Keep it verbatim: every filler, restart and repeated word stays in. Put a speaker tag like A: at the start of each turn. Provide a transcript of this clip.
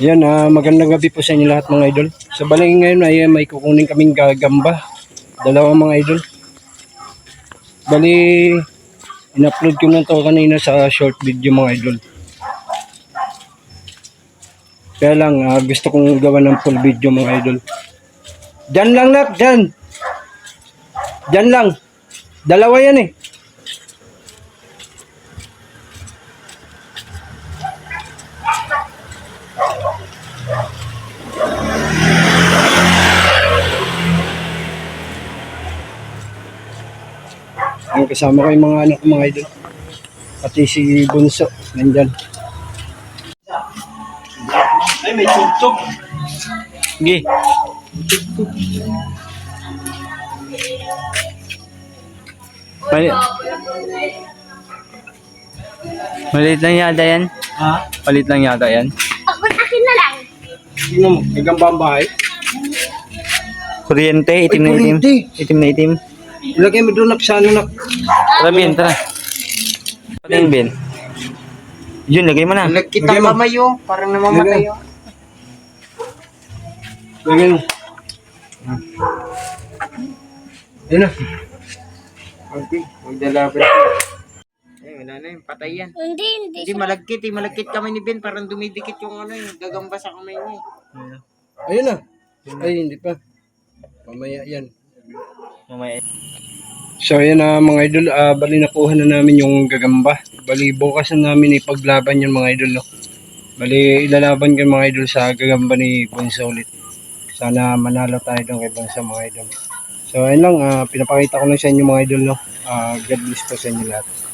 A: Yan, ah, magandang gabi po sa inyo lahat mga idol. Sa balay ngayon ay may kukunin kaming gagamba. Dalawang mga idol. Bali, in-upload ko na to kanina sa short video mga idol. Kaya lang, ah, gusto kong gawa ng full video mga idol. Diyan lang nak, diyan. Diyan lang. Dalawa yan eh. Ang kasama ko yung mga anak ko mga idol. Pati si Bunso, nandyan. Ay, may tugtog. Sige.
B: Mali Malit lang yata yan.
A: Ha?
B: Malit lang yata yan.
C: Ako, akin na lang.
A: Sino mo? Gagamba ang bahay?
B: Kuryente, itim
A: Ay,
B: na itim.
A: kuryente.
B: Itim na itim.
A: Ilagay mo doon nak sa ano nak.
B: Tara, Ben, tara. Pating, Ben. Yun, lagay mo na.
A: Kita kamay
D: yun, parang namamatay yun.
A: Lagay mo. Ayun na.
D: Okay, magdalaban. Eh, wala na yun, patay yan.
C: Hindi, hindi.
D: Hindi, malagkit eh, malagkit kamay ni Ben, parang dumidikit yung ano yung gagamba sa kamay niya eh.
A: Ayun na. Ay, hindi pa. Mamaya yan.
B: Mamaya.
A: So ayan na mga idol, uh, bali nakuha na namin yung gagamba. Bali bukas na namin ipaglaban yung mga idol. No? Bali ilalaban ko mga idol sa gagamba ni Bunso ulit. Sana manalo tayo doon kay Bunso mga idol. So ayun lang, uh, pinapakita ko lang sa inyo mga idol. No? Uh, God bless po sa inyo lahat.